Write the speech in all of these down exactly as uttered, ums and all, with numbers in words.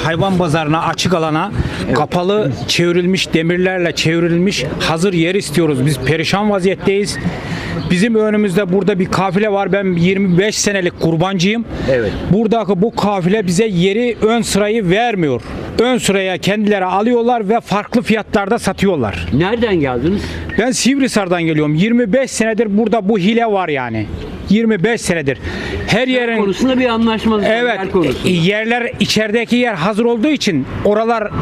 hayvan pazarına, açık alana kapalı çevrilmiş demirlerle çevrilmiş hazır yer istiyoruz. Biz perişan vaziyetteyiz. Bizim önümüzde burada bir kafile var. Ben yirmi beş senelik kurbancıyım. Evet. Buradaki bu kafile bize yeri, ön sırayı vermiyor. Ön sıraya kendileri alıyorlar ve farklı fiyatlarda satıyorlar. Nereden geldiniz? Ben Sivrisar'dan geliyorum. yirmi beş senedir burada bu hile var yani. yirmi beş senedir. Her yerin Konusunda bir anlaşmazlık var, evet yer konusunda. yerler içerideki yer hazır olduğu için oralar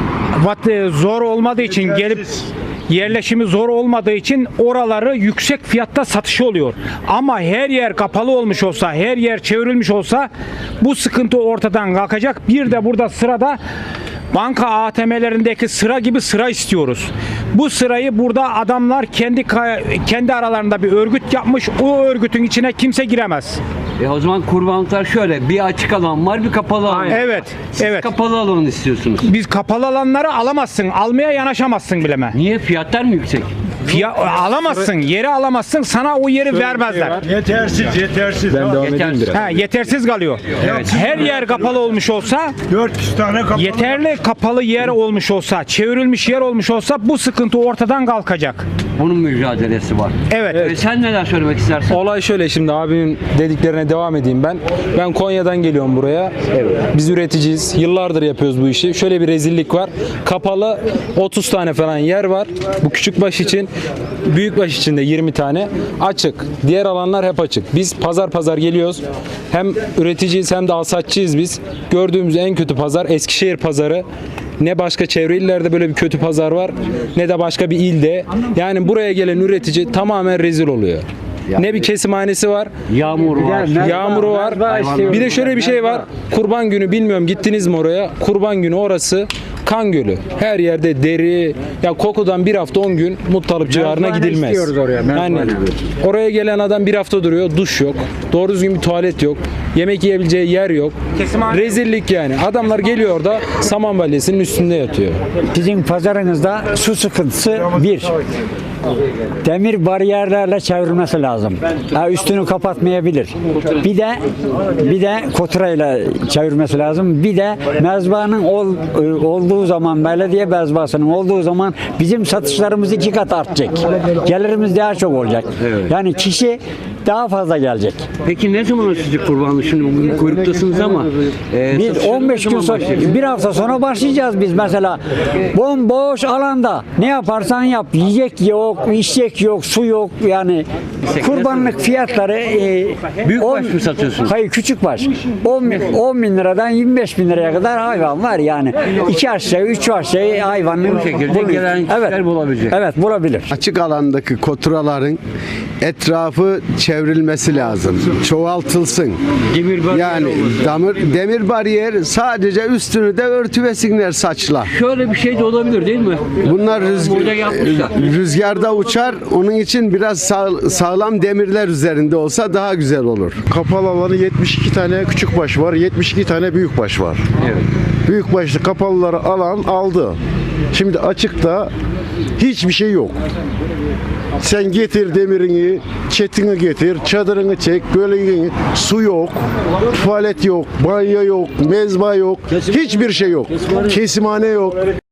vat- zor olmadığı için gelip yerleşimi zor olmadığı için oraları yüksek fiyatta satışı oluyor. Ama her yer kapalı olmuş olsa, her yer çevrilmiş olsa bu sıkıntı ortadan kalkacak. Bir de burada sırada banka A T M'lerindeki sıra gibi sıra istiyoruz. Bu sırayı burada adamlar kendi kendi aralarında bir örgüt yapmış. O örgütün içine kimse giremez. E o zaman kurbanlıklar şöyle, bir açık alan var, bir kapalı alan. Evet, Siz evet. kapalı alan istiyorsunuz. Biz kapalı alanları alamazsın. Almaya yanaşamazsın bileme. Niye? Fiyatlar mı yüksek? Fiya, alamazsın. Yeri alamazsın. Sana o yeri vermezler. Yetersiz, yetersiz. Ben devam edeyim Yetersiz. biraz. Ha, yetersiz kalıyor. Her yer kapalı olmuş olsa, dört yüz tane kapalı. yeterli kapalı yer olmuş olsa, çevrilmiş yer olmuş olsa bu sıkıntı ortadan kalkacak. Bunun mücadelesi var. Evet. E sen neler söylemek istersin? Olay şöyle, şimdi abimin dediklerine devam edeyim ben. Ben Konya'dan geliyorum buraya. Biz üreticiyiz. Yıllardır yapıyoruz bu işi. Şöyle bir rezillik var. Kapalı otuz tane falan yer var. Bu küçükbaş için. Büyükbaş için de yirmi tane. Açık. Diğer alanlar hep açık. Biz pazar pazar geliyoruz. Hem üreticiyiz hem de alsatçıyız biz. Gördüğümüz en kötü pazar Eskişehir pazarı. Ne başka çevre illerde böyle bir kötü pazar var, ne de başka bir ilde. Yani buraya gelen üretici tamamen rezil oluyor. Ne bir kesimhanesi var, Yağmur var. yağmuru var. Bir de şöyle bir şey var. Kurban günü, bilmiyorum gittiniz mi oraya? Kurban günü orası kan gölü. Her yerde deri, ya kokudan bir hafta on gün Muttalip civarına gidilmez. Yani oraya gelen adam bir hafta duruyor, duş yok. Doğru düzgün bir tuvalet yok. Yemek yiyebileceği yer yok. Rezillik yani. Adamlar geliyor orada saman balyasının üstünde yatıyor. Sizin pazarınızda su sıkıntısı bir. Demir bariyerlerle çevrilmesi lazım. Ha, üstünü kapatmayabilir. Bir de bir de koturayla çevirmesi lazım. Bir de mezbanın ol, olduğu zaman, belediye mezbasının olduğu zaman bizim satışlarımız iki kat artacak. Gelirimiz daha çok olacak. Yani kişi daha fazla gelecek. Peki ne zaman açacak kurbanlık? Şimdi bugün kuyruktasınız ama e, Biz satışları on ne beş gün zaman sonra, başlayacak? bir hafta sonra başlayacağız biz mesela. Bomboş alanda ne yaparsan yap. Yiyecek yok, içecek yok, su yok. Yani kurbanlık fiyatları e, Büyük on- baş mı satıyorsunuz? Hayır, küçük baş. on bin, on bin liradan yirmi beş bin liraya kadar hayvan var yani. İki aşağı, üç aşağı hayvanın Bu şekilde bulunuyor. gelen kişiler bulabilecek. Evet, bulabilir. Açık alandaki koturaların etrafı çevrilmesi lazım. Çoğaltılsın. Demir bariyer Yani olması. damır, demir bariyer sadece üstünü de örtüvesinler saçla. Şöyle bir şey de olabilir değil mi? Bunlar rüzg- Burada yapmışlar. rüzgarda uçar. Onun için biraz sağ- sağlam demirler üzerinde olsa daha güzel olur. Kapalı alanı yetmiş iki tane küçük baş var, yetmiş iki tane büyük baş var. Evet. Büyük başlı kapalıları alan aldı. Şimdi açıkta hiçbir şey yok. Sen getir demirini, çetini getir, çadırını çek, böleğini, su yok, tuvalet yok, banyo yok, mezba yok, hiçbir şey yok. Kesimhane yok.